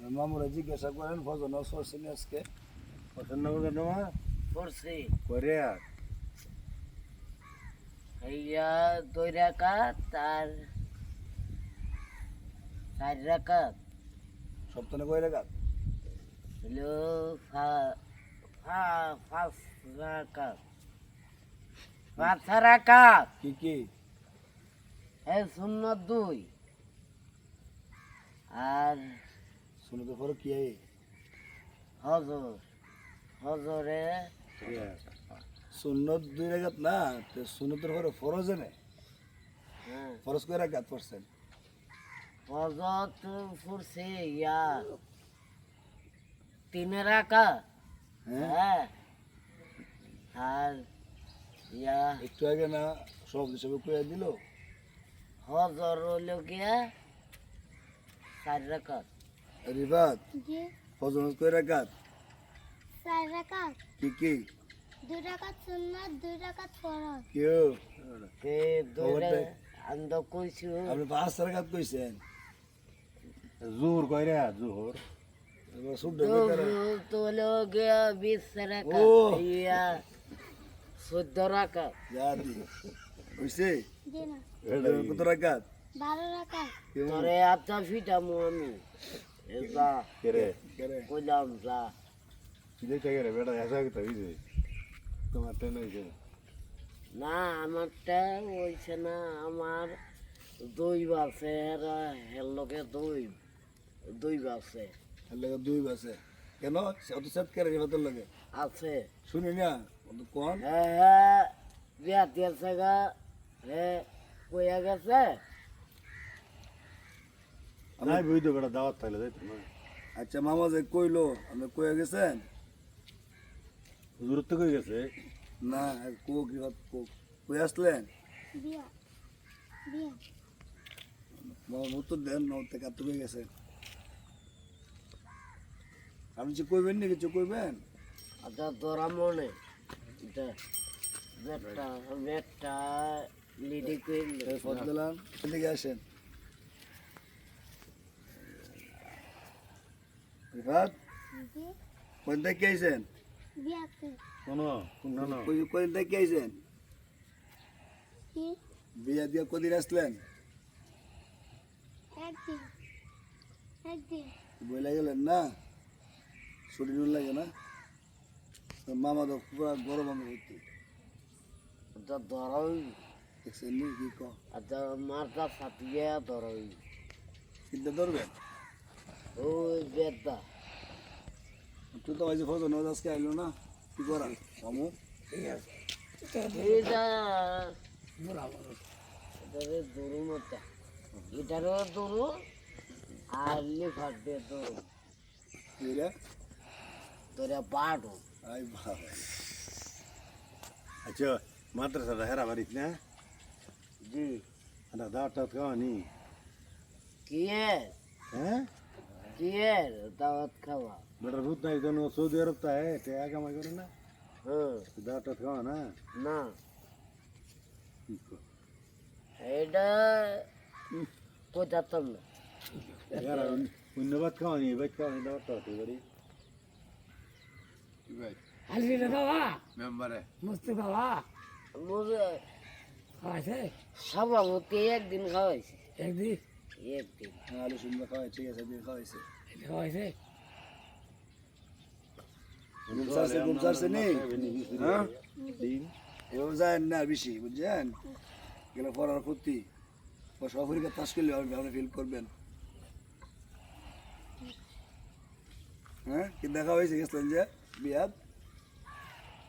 মামুরা জিজ্ঞাসা করেন ফজর নামাজ পড়ছেন আজকে? ফজর নামাজ পড়ছি করে আর হইয়া 2 রাকাত আর 4 রাকাত সপ্তাহে কয় রাকাত? হলো 5 রাকাত 5 রাকাত কি কি? সুন্নত 2 আর সুন্নতের পরে কি? হজরে সুন্নত 2 রাকাত না, তো সুন্নতের পরে ফরজ এনে হ্যাঁ ফরজ কয় রাকাত পড়ছেন? হজর পড়ছে ইয়া 3 রাকাত হ্যাঁ, হ্যাঁ আর ইয়া একটু আগে না সব হিসেবে কয়ে দিল। হজর হইল গিয়া 4 রাকাত রিবাত জি ফজর নামাজ কয় রাকাত? 4 রাকাত কি কি? 2 রাকাত সুন্নাত 2 রাকাত ফরজ কেউ তে দৌড়ে আন্দ কইছু আপনি 5 রাকাত কইছেন, জোহর কইরে জোহর এবার শুদ্ধ বেকার। তো হলো গিয়া 20 রাকাত ও। ইয়া 14 রাকাত জাতি হইছে জি না কত রাকাত? 12 রাকাত কেমন? তোরে আত্মা ফিটামু আমি এবা কেরে করে কইলাম যা কিলে কেরে বেটা এসা কি তাই যে তোমার টেন হইছে না আমারটা হইছে না আমার 2 বাসে হের লগে 2 বাসে এর লাগে 2 বাসে কেন? অত সেট করে রিবাতের লাগে আছে শুনি না অত কোন হ্যাঁ বিয়া দিয়েছে গা হ্যাঁ কইয়া গেছে নাই বই তো বেটা দাওয়াত থাকলে যাইতো না আচ্ছা মামা যে কইলো আপনি কয়ে গেছেন? হুজুর তো কই গেছে না কোক রিবাত কোক কই আসলেন? বিয়া বিয়া মামা উত্তর দেন নতে কাট কই গেছেন? আপনি যে কইবেন না কিছু কইবেন? আচ্ছা তোরা মনে এটা বেটা বেটা লিডি কইল এই ফট দিলাম এদিকে আসেন। রিবাত জি কোন থেকে আইছেন? বিয়াতে শোনো না না কোন থেকে আইছেন? কি বিয়া দিয়া কদিন আসলেন? একদিন একদিন বইলা গেলেন না? ছুটি নুন লাগে না? তো মামা তো পুরা গরম আমি হইতে আচ্ছা ধরই দেখছেন নি কি কম আচ্ছা মারটা ফাটিয়ে ধরই চিন্তা ধরবেন? ওই বেটা তুই তো আইসে ফজর নামাজ আজকে আইলো না, কি করা মামু? এটা এটারে দৌড়ু মতো এটারও দৌড়ু আর লিফার দিয়ে দৌড়ু কি রে? তোরা পাঠো আই বাবা আচ্ছা মাদ্রাসাটা হেরা বাড়িত না জি এটা দাওয়াত খাওয়ানি কি হ্যাঁ দাওয়াত খাওয়া বেটা রুদ নাই জন্য সৌদি আরব তা হ্যাঁ টাকা কামাই করে না হ্যাঁ দাওয়াত খাওয়া না না কি কর এটা কোথাতাম না হেরা ধন্যবাদ খাওয়ানি বাইক খাওয়ানি দাওয়াত হতে পারি আলবিটা বাবা মেম্বারে মস্তি বাবা বুঝে খাওয়াইছে সভাপতি একদিন খাওয়াইছে একদিন একদিন আলু সুন্দর খাওয়াই ঠিক আছে দিয়ে খাওয়াইছে এটা খাওয়াইছে ঘুম সারছে নেই হ্যাঁ দিন এভাবে যায় না বেশি বুঝছেন গেলে পড়ার ক্ষতি সফরিকা তাস করলে আপনি ফিল করবেন। হ্যাঁ কি দেখা হয়েছে গেছিলেন যে বিয়াত